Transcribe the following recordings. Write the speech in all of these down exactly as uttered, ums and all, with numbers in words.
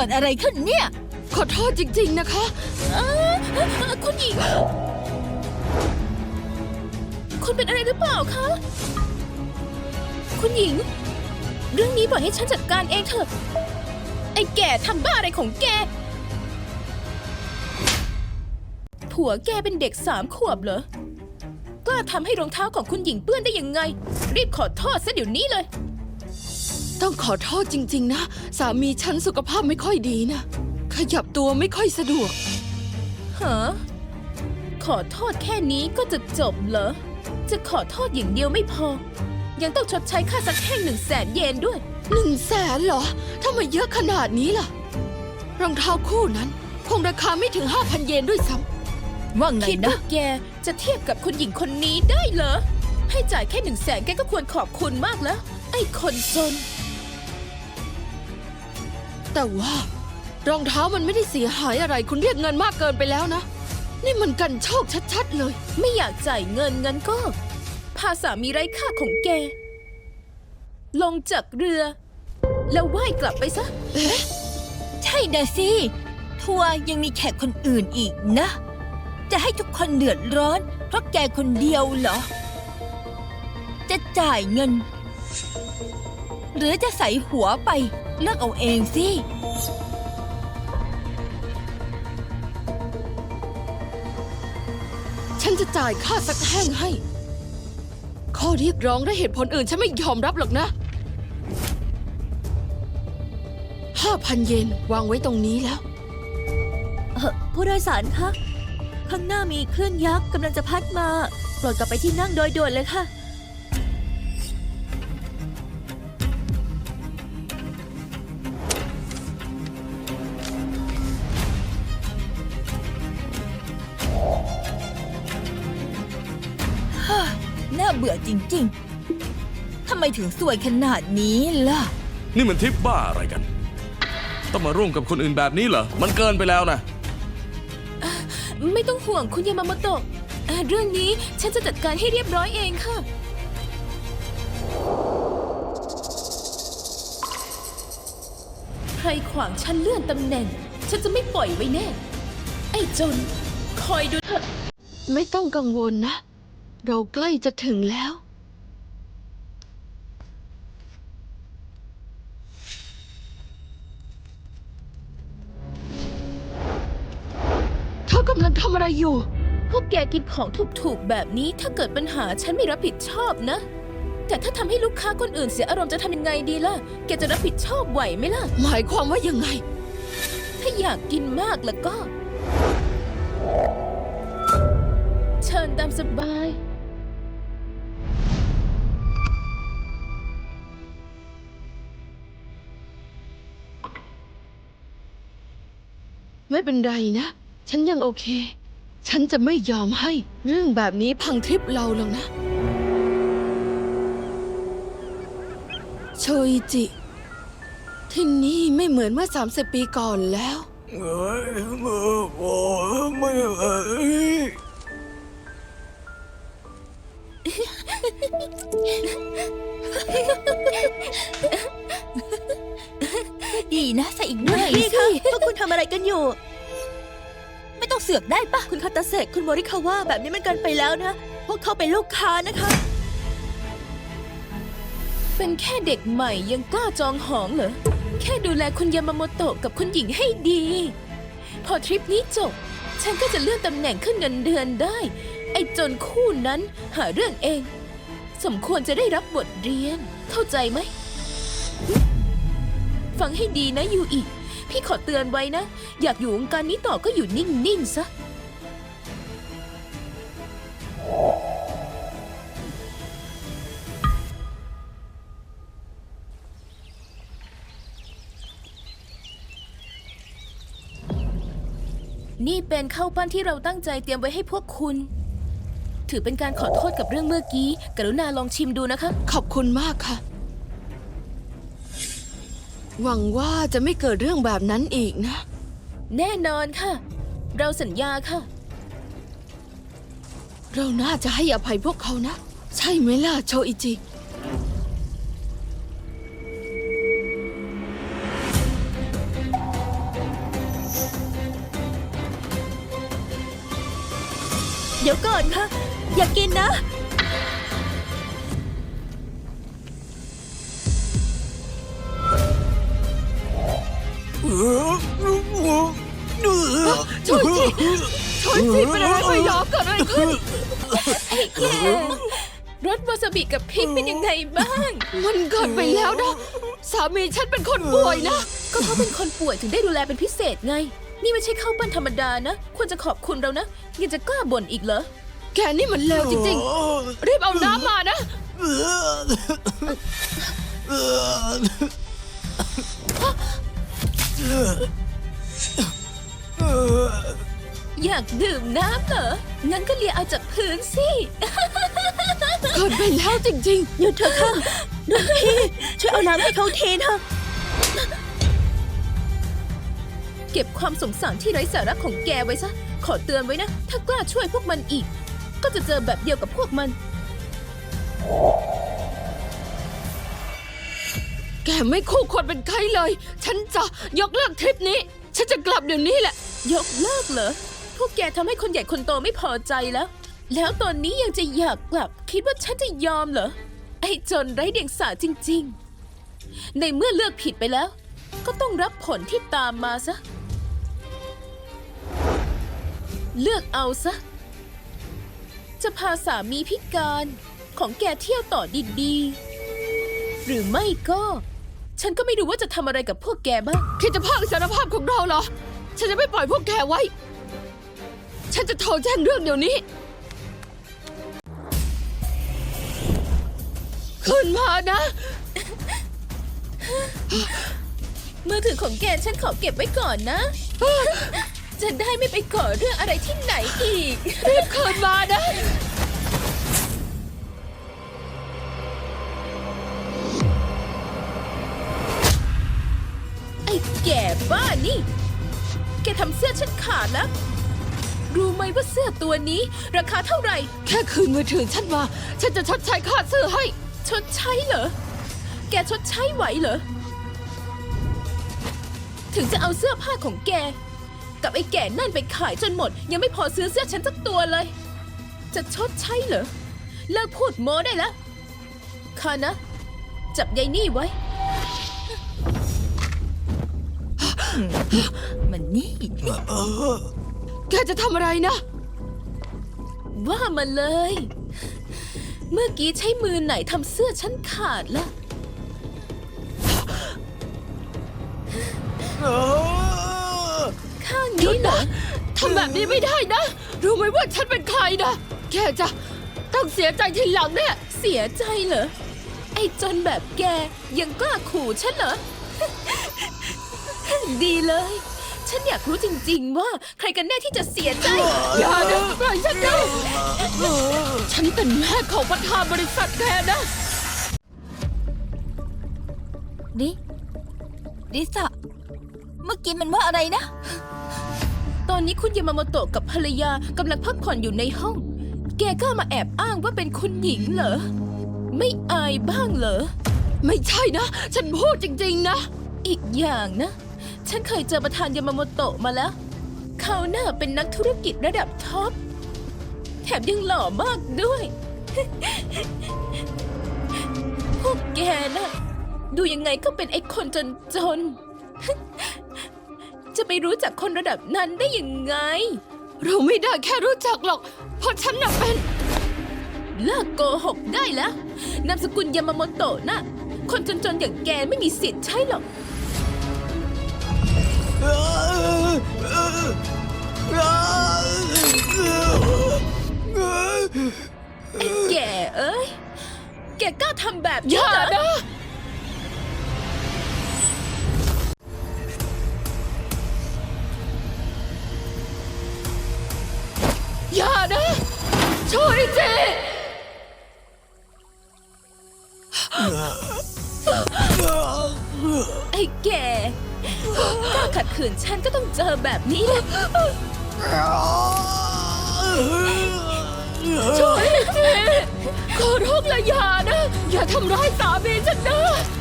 กิดอะไรขึ้นเนี่ยขอโทษจริงๆนะคะคุณหญิงคุณเป็นอะไรหรือเปล่าคะคุณหญิงเรื่องนี้ปล่อยให้ฉันจัดการเองเถอะไอ้แก่ทำบ้าอะไรของแกผัวแกเป็นเด็กสามขวบเหรอกล้าทำให้รองเท้าของคุณหญิงเปื้อนได้ยังไงรีบขอโทษซะเดี๋ยวนี้เลยต้องขอโทษจริงๆนะสามีฉันสุขภาพไม่ค่อยดีนะขยับตัวไม่ค่อยสะดวกฮะขอโทษแค่นี้ก็จะจบเหรอจะขอโทษอย่างเดียวไม่พอยังต้องชดใช้ค่าซักแห้งหนึ่งแสนเยนด้วยหนึ่งแสนเหรอทำไมเยอะขนาดนี้ล่ะรองเท้าคู่นั้นคงราคาไม่ถึงห้าพันเยนด้วยซ้ำว่าไงนะคิดว่าแกจะเทียบกับคุณหญิงคนนี้ได้เหรอให้จ่ายแค่หนึ่งแสนแกก็ควรขอบคุณมากแล้วไอ้คนจนแต่ว่ารองเท้ามันไม่ได้เสียหายอะไรคุณเรียกเงินมากเกินไปแล้วนะนี่มันกันโชคชัดๆเลยไม่อยากจ่ายเงินงั้นก็พาสามีไร้ค่าของแกลงจากเรือแล้วว่ายกลับไปซะเอ๊ะใช่นะสิทัวร์ยังมีแขกคนอื่นอีกนะจะให้ทุกคนเดือดร้อนเพราะแกคนเดียวเหรอจะจ่ายเงินหรือจะใส่หัวไปเลือกเอาเองสิฉันจะจ่ายค่าซักแห้งให้ข้อเรียกร้องและเหตุผลอื่นฉันไม่ยอมรับหรอกนะห้าพันเยนวางไว้ตรงนี้แล้วเออผู้โดยสารคะข้างหน้ามีคลื่นยักษ์กำลังจะพัดมาโปรดกลับไปที่นั่งโดยด่วนเลยค่ะน่าเบื่อจริงๆทำไมถึงสวยขนาดนี้ล่ะนี่มันทริปบ้าอะไรกันต้องมาร่วมกับคนอื่นแบบนี้เหรอมันเกินไปแล้วนะไม่ต้องห่วงคุณยามาโมโตะเรื่องนี้ฉันจะจัดการให้เรียบร้อยเองค่ะใครขวางฉันเลื่อนตำแหน่งฉันจะไม่ปล่อยไว้แน่ไอ้จนคอยดูเถอะไม่ต้องกังวลนะเราใกล้จะถึงแล้วเธอกำลังทำอะไรอยู่พวกแกกินของถูกๆแบบนี้ถ้าเกิดปัญหาฉันไม่รับผิดชอบนะแต่ถ้าทำให้ลูกค้าคนอื่นเสียอารมณ์จะทำยังไงดีล่ะแกจะรับผิดชอบไหวไหมล่ะหมายความว่ายังไงถ้าอยากกินมากแล้วก็เชิญตามสบายไม่เป็นไรนะฉันยังโอเคฉันจะไม่ยอมให้เรื่องแบบนี้พังทริปเราหรอกนะโชอิจิที่นี่ไม่เหมือนเมื่อสามสิบปีก่อนแล้วเอ้ยเมื่อไม่เอ้ยดีนะใส่อีกหน่อยสิพวกคุณทำอะไรกันอยู่ไม่ต้องเสือกได้ปะคุณคาตาเซะคุณโมริคาวะแบบนี้มันเกินไปแล้วนะพวกเขาเป็นลูกค้านะคะเป็นแค่เด็กใหม่ยังกล้าจองหองเหรอแค่ดูแลคุณยามาโมโตะกับคุณหญิงให้ดีพอทริปนี้จบฉันก็จะเลื่อนตำแหน่งขึ้นเงินเดือนได้ไอ้จนคู่นั้นหาเรื่องเองสมควรจะได้รับบทเรียนเข้าใจไหมฟังให้ดีนะยูอิพี่ขอเตือนไว้นะอยากอยู่วงการนี้ต่อก็อยู่นิ่งๆซะนี่เป็นข้าวปั้นที่เราตั้งใจเตรียมไว้ให้พวกคุณถือเป็นการขอโทษกับเรื่องเมื่อกี้กรุณาลองชิมดูนะคะขอบคุณมากค่ะหวังว่าจะไม่เกิดเรื่องแบบนั้นอีกนะแน่นอนค่ะเราสัญญาค่ะเราน่าจะให้อภัยพวกเขานะใช่ไหมล่ะโชอิจิเดี๋ยวก่อนค่ะ อยากกินนะช่วยสิช่วยสิเป็นอะไรไปยอมเกิดอะไรขึ้นไอ้แกรสวาซาบิกับพริกเป็นยังไงบ้างมันเกินไปแล้วนะ สามีฉันเป็นคนป่วยนะก็เขาเป็นคนป่วยถึงได้ดูแลเป็นพิเศษไง นี่ไม่ใช่ข้าวปั้นธรรมดานะ ควรจะขอบคุณเรานะ ยังจะกล้าบ่นอีกเหรอแกนี่มันเลวจริงๆ รีบเอาน้ำมานะอยากดื่มน้ำเหรอ งั้นก็เลียเอาจากพื้นสิเกินไปแล้วจริงหยุดเถอะค่ะรุ่นพี่ช่วยเอาน้ำให้เขาเทเถอะเก็บความสงสารที่ไร้สาระของแกไว้ซะ ขอเตือนไว้นะ ถ้ากล้าช่วยพวกมันอีก ก็จะเจอแบบเดียวกับพวกมันๆ แกไม่คู่ควรเป็นใครเลย ฉันจะยกเลิกทริปนี้ ฉันจะกลับเดี๋ยวนี้แหละยกเลิกเหรอ พวกแกทำให้คนใหญ่คนโตไม่พอใจแล้ว แล้วตอนนี้ยังจะอยากกลับ คิดว่าฉันจะยอมเหรอ ไอ้จนไร้เดียงสาจริงๆ ในเมื่อเลือกผิดไปแล้ว ก็ต้องรับผลที่ตามมาซะ เลือกเอาซะ จะพาสามีพิการของแกเที่ยวต่อดีๆ หรือไม่ก็ ฉันก็ไม่รู้ว่าจะทำอะไรกับพวกแกบ้างคิดจะพากสารภาพของเราเหรอ ฉันจะไม่ปล่อยพวกแกไว้ ฉันจะโทรแจ้งเรื่องเดี๋ยวนี้ ขึ้นมานะมือถือของแกฉันขอเก็บไว้ก่อนนะ จะได้ไม่ไปก่อเรื่องอะไรที่ไหนอีกรีบคืนมานะไอ้แก่บ้านี่ แกทำเสื้อฉันขาดแล้ว รู้ไหมว่าเสื้อตัวนี้ ราคาเท่าไหร่แค่คืนมือถือฉันมา ฉันจะชดใช้ค่าซื้อให้ชดใช้เหรอ แกชดใช้ไหวเหรอ ถึงจะเอาเสื้อผ้าของแก กับไอ้แก่นั่นไปขายจนหมด ยังไม่พอซื้อเสื้อฉันสักตัวเลย จะชดใช้เหรอ เลิกพูดโม้ได้แล้วข้านะ จับยายนี่ไว้มันนี่แกจะทำอะไรนะว่ามาเลย เมื่อกี้ใช้มือไหนทำเสื้อฉันขาดล่ะ ข้างนี้เหรอทำแบบนี้ไม่ได้นะ รู้ไหมว่าฉันเป็นใครนะ แกจะต้องเสียใจทีหลังเนี่ยเสียใจเหรอ ไอ้จนแบบแกยังกล้าขู่ฉันเหรอ ดีเลย ฉันอยากรู้จริงๆว่าใครกันแน่ที่จะเสียใจอย่านะปล่อยฉันนะฉันเป็นแม่ของประธานบริษัทแกนะริริสะเมื่อกี้มันว่าอะไรนะตอนนี้คุณยามาโมโตะกับภรรยากำลังพักผ่อนอยู่ในห้อง แกก็มาแอบอ้างว่าเป็นคุณหญิงเหรอ ไม่อายบ้างเหรอไม่ใช่นะ ฉันพูดจริงๆนะอีกอย่างนะ ฉันเคยเจอประธานยามาโมโตะมาแล้ว เขาน่าเป็นนักธุรกิจระดับท็อป แถมยังหล่อมากด้วย พวกแกน่ะ ดูยังไงก็เป็นไอ้คนจนจนๆ จะไปรู้จักคนระดับนั้นได้ยังไงเราไม่ได้แค่รู้จักหรอก เพราะฉันน่ะเป็นเลิกโกหกได้แล้ว นามสกุลยามาโมโตะน่ะ คนจนๆอย่างแกไม่มีสิทธิ์ใช่หรอก ไอ้แก่เอ้ย แกกล้าทำแบบอนี้ย่าเหรอนะ อย่านะ ช่วยเจไอ้แก่กล้าขัดขืนฉันก็ต้องเจอแบบนี้แหละช่วยเจขอร้องละอย่านะ อย่าทำร้ายสามีฉันนะ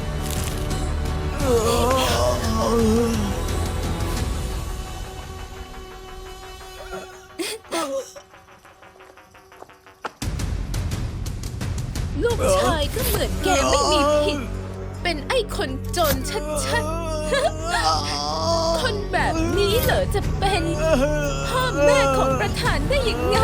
เลูกชายก็เหมือนแกไม่มีผิด เป็นไอ้คนจนชัดๆ คนแบบนี้เหรอจะเป็นพ่อแม่ของประธานได้ยังไง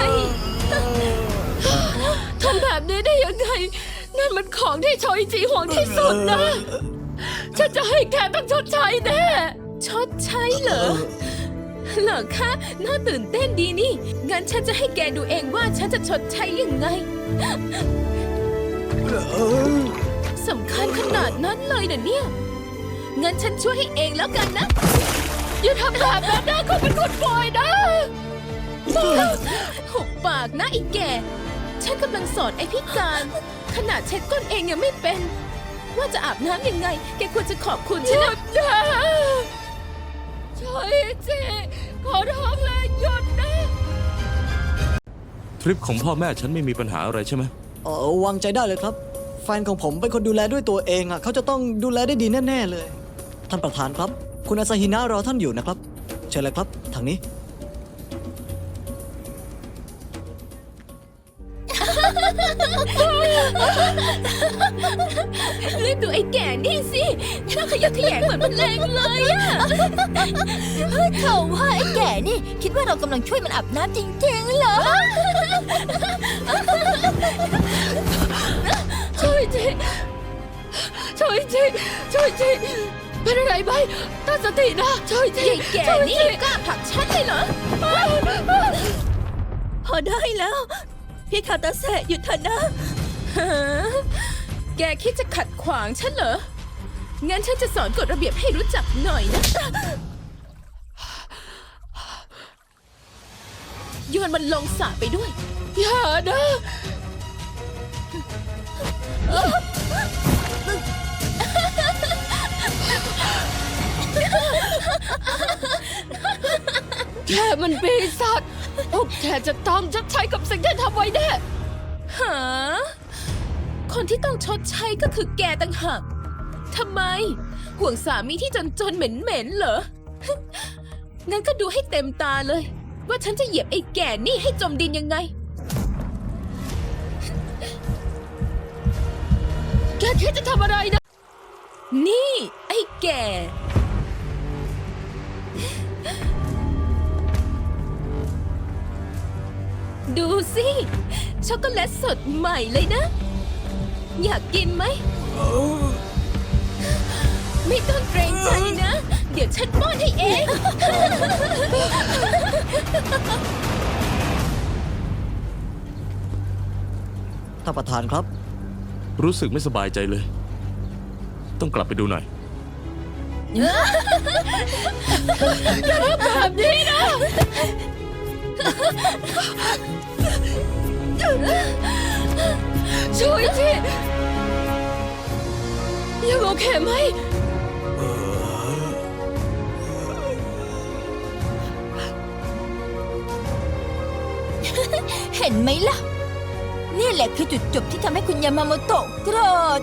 ทำแบบนี้ได้ยังไง นั่นมันของที่โชยจีห่วงที่สุดนะ ฉันจะให้แกต้องชดใช้แน่ชดใช้เหรอ เหรอคะ น่าตื่นเต้นดีนี่ งั้นฉันจะให้แกดูเองว่าฉันจะชดใช้ยังไง สำคัญขนาดนั้นเลยนะเนี่ย งั้นฉันช่วยให้เองแล้วกันนะอย่าทำแบบนั้นนะเขาเป็นคนปล่อยนะหุบปากนะไอ้แก่ ฉันกำลังสอนไอ้พิการ ขนาดเช็ดก้นเองยังไม่เป็น ว่าจะอาบน้ำยังไง แกควรจะขอบคุณฉันนะโชยจีขอร้องเลยหยุดนะทริปของพ่อแม่ฉันไม่มีปัญหาอะไรใช่ไหมเออวางใจได้เลยครับ แฟนของผมเป็นคนดูแลด้วยตัวเองอ่ะเขาจะต้องดูแลได้ดีแน่ๆเลย ท่านประธานครับ คุณอาซาฮินะรอท่านอยู่นะครับ เชิญเลยครับทางนี้รีบดูไอ้แก่นี่สิน่าขยักขยงเหมือนมันแรงเลยอะเฮ้ยเขาว่าไอ้แก่นี่ คิดว่าเรากำลังช่วยมันอาบน้ำจริงๆเหรอช่วยจีช่วยจีช่วยจีเป็นอะไรไหมตั้งสตินะช่วยจีไอ้แก่นี่กล้าผลักฉันเลยเหรอพอได้แล้ว พี่คาตาเซะหยุดเถอะนะฮะแกคิดจะขัดขวางฉันเหรอ งั้นฉันจะสอนกฎระเบียบให้รู้จักหน่อยนะ โยนมันลงสระไปด้วยอย่านะแกมันปีศาจพวกแกจะต้องชดใช้กับสิ่งที่ทำไว้แน่หา คนที่ต้องชดใช้ก็คือแกต่างหากทำไม ห่วงสามีที่จนๆเหม็นๆเหรอ งั้นก็ดูให้เต็มตาเลย ว่าฉันจะเหยียบไอ้แก่นี่ให้จมดินยังไงแกคิดจะทำอะไรนะนี่ไอ้แก่ ดูสิ ช็อกโกแลตสดใหม่เลยนะ อยากกินไหม ไม่ต้องเกรงใจนะ เดี๋ยวฉันป้อนให้เองท่านประธานครับรู้สึกไม่สบายใจเลย ต้องกลับไปดูหน่อยแบบนี้นะช่วยทียังโอเคไหมเห็นไหมล่ะ นี่แหละคือจุดจบที่ทำให้คุณยามาโมโตะโกรธ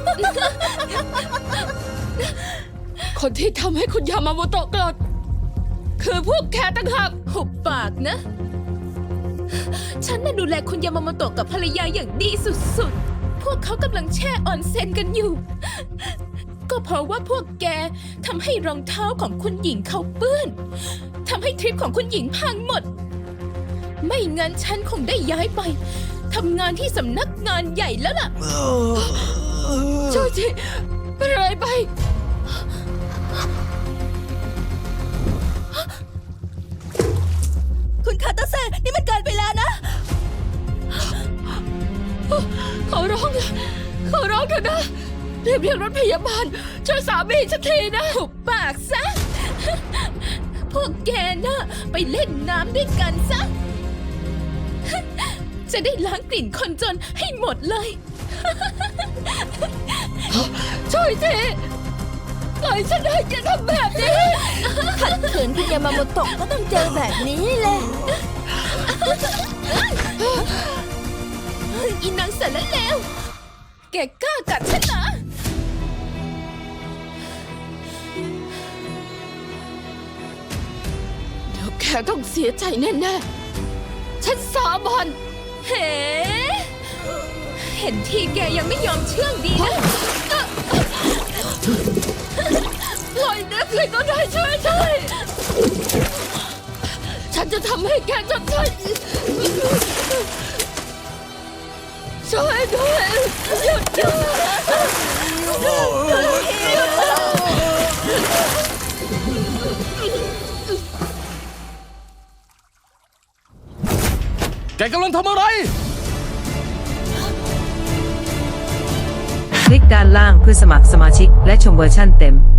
คนที่ทำให้คุณยามาโมโตะโกรธคือพวกแกต่างหากหุบปากนะ ฉันน่ะดูแลคุณยามาโมโตะกับภรรยาอย่างดีสุดๆ พวกเขากำลังแช่ออนเซ็นกันอยู่ ก็เพราะว่าพวกแกทำให้รองเท้าของคุณหญิงเขาเปื้อนทำให้ทริปของคุณหญิงพังหมด ไม่งั้นฉันคงได้ย้ายไปทำงานที่สำนักงานใหญ่แล้วล่ะช่วยทีเป็นอะไรไปคุณคาตาเซะนี่มันเกินไปแล้วนะขอร้องนะขอร้องเถอะนะรีบเรียกรถพยาบาลช่วยสามีฉันทีนะหุบปากซะ พวกแกน่ะไปเล่นน้ำด้วยกันซะ จะได้ล้างกลิ่นคนจนให้หมดเลยช่วยทีปล่อยฉันได้อย่าทำแบบนี้ขัดขืนคุณยามาโมโตะก็ต้องเจอแบบนี้แหละอีนางสารเลวแกกล้ากัดฉันเหรอเดี๋ยวแกต้องเสียใจแน่ๆฉันสาบานเฮ้เห็นทีแกยังไม่ยอมเชื่องดีนะปล่อยเด็กเลยก็ได้ช่วยด้วยฉันจะทำให้แกจำใจช่วยด้วยหยุดด้วยแกกำลังทำอะไรคลิกด้านล่างเพื่อสมัครสมาชิกและชมเวอร์ชั่นเต็ม